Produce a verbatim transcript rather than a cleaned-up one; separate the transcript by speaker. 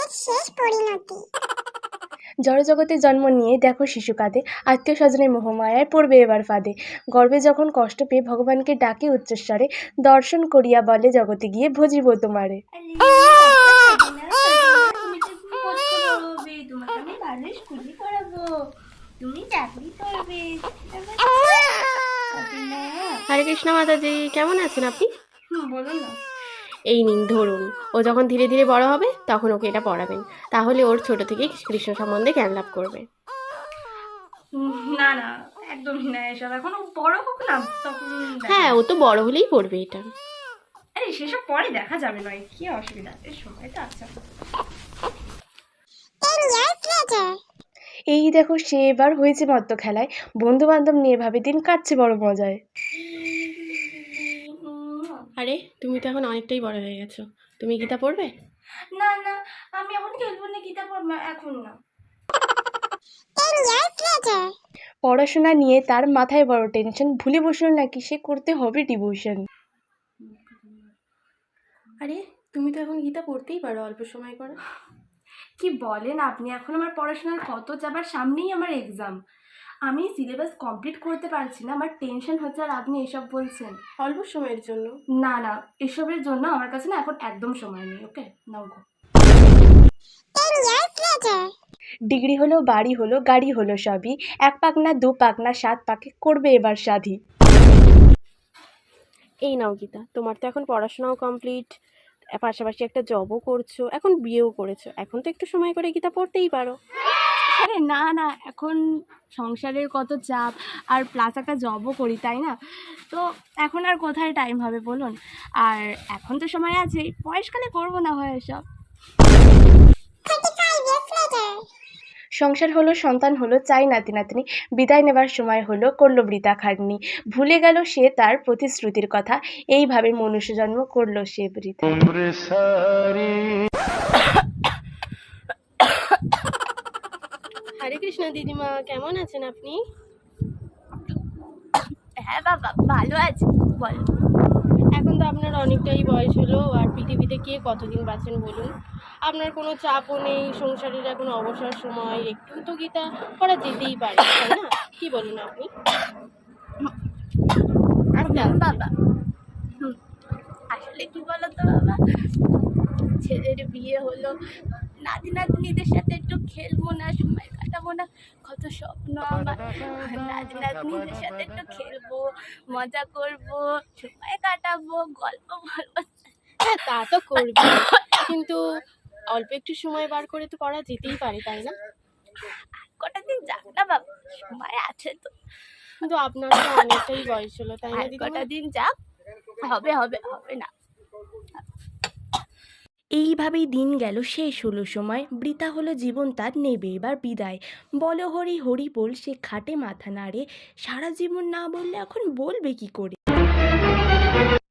Speaker 1: শেষ পরিণতি।
Speaker 2: জড়জগতে জন্ম নিয়ে দেখো শিশু কাঁদে, আত্মীয় স্বজনের মোহমায়ায় পড়বে এবার ফাঁদে। গর্ভে যখন কষ্ট পেয়ে ভগবানকে ডাকে উচ্চস্বরে, দর্শন করিয়া বলে জগতে গিয়ে ভজিব তোমারে। হরে কৃষ্ণ মাতাজি, কেমন আছেন আপনি?
Speaker 3: বলুন না।
Speaker 2: এই নিন ধরুন, ও যখন ধীরে ধীরে বড় হবে তখন ওকে এটা পড়াবেন, তাহলে ওর ছোট থেকেই কৃষ্ণ সম্বন্ধে জ্ঞান লাভ করবে।
Speaker 3: না না, একদমই না এসব, এখন ও বড় হোক না তখন।
Speaker 2: হ্যাঁ, ও তো বড় হলেই পড়বে এটা।
Speaker 3: আরে সেসব পরে দেখা যাবে, নয় কি অসুবিধা, এর সময় তো আচ্ছা।
Speaker 2: এই দেখো সে এবার হয়েছে মত্ত খেলায়, বন্ধু বান্ধব নিয়ে ভাবে দিন কাটছে বড় মজায়। আরে তুমি তো এখন অনেকটাই বড় হয়ে গেছো, তুমি গীতা পড়বে?
Speaker 3: না না, আমি এখন খেলবো না, গীতা পড়বো এখন না।
Speaker 2: পড়াশোনা নিয়ে তার মাথায় বড় টেনশন, ভুলে বসলো নাকি সে করতে হবে ডিভোশন। আরে তুমি তো এখন গীতা পড়তেই পারো অল্প সময় করে।
Speaker 3: কি বলেন আপনি, এখন আমার পড়াশোনার কত চাপ, আর সামনেই আমার এক্সাম, আমি সিলেবাস কমপ্লিট করতে পারছি না, আমার টেনশন হচ্ছে, আর আপনি এসব বলছেন
Speaker 2: অল্প সময়ের জন্য?
Speaker 3: না না, এসবের জন্য আমার কাছে না এখন একদম সময় নেই। ওকে নাও গো।
Speaker 2: ডিগ্রি হলো, বাড়ি হলো, গাড়ি হলো, সবই এক পাক না দু পাক না সাত পাকে করবে এবার সাধি। এই নাও গীতা, তোমার তো এখন পড়াশোনাও কমপ্লিট, পাশাপাশি একটা জবও করছো, এখন বিয়েও করেছো, এখন তো একটু সময় করে গীতা পড়তেই পারো।
Speaker 3: আরে না না, এখন সংসারের কত চাপ, আর প্লাস একটা জবও করি, তাই না? তো এখন আর কোথায় টাইম হবে বলুন, আর এখন তো সময় আছে, বয়সকালে করবো না হয় এসব।
Speaker 2: সংসার হলো, সন্তান হলো, চাই নাতি নাতনি, বিদায় নেবার সময় হলো, করলো বৃথা খাটনি, ভুলে গেল সে তার প্রতিশ্রুতির কথা, এইভাবে মনুষ্য জন্ম করলো সে বৃথা। হরে কৃষ্ণ দিদিমা, কেমন আছেন আপনি?
Speaker 3: হ্যাঁ বাবা, ভালো আছে, বলো।
Speaker 2: এখন তো আপনার অনেকটাই বয়স হলো, আর পৃথিবীতে কে কতদিন বাঁচেন বলুন? আপনার কোনো চাপও নেই, সংসারের এখন অবসর সময়, একটু তো গীতা পড়া যেতেই পারে, তাই না? কি বলুন আপনি?
Speaker 3: বাবা আসলে কি বলো তো বাবা, ছেলের বিয়ে হলো, নাতি নাতনিদের সাথে একটু খেলবো না, সময় কাটাবো না, কত স্বপ্ন আমার, নাতি নাতনিদের সাথে একটু খেলবো, মজা করবো, সময় কাটাবো, গল্প বলবো।
Speaker 2: হ্যাঁ, তা তো করবে, কিন্তু অল্প একটু সময় বার করে তো পড়া যেতেই পারে, তাই না?
Speaker 3: কটা দিন যাক না বাবা, সময় আছে তো।
Speaker 2: কিন্তু আপনার তো অনেকটাই বয়স হলো, তাই না?
Speaker 3: কটা দিন যাক, হবে হবে হবে না।
Speaker 2: এইভাবেই দিন গেল, শেষ হলো সময়, বৃথা হলো জীবন তার, নেবে এবার বিদায়। বলো হরি হরি বল, সে খাটে মাথা নাড়ে, সারা জীবন না বললে এখন বলবে কি করে?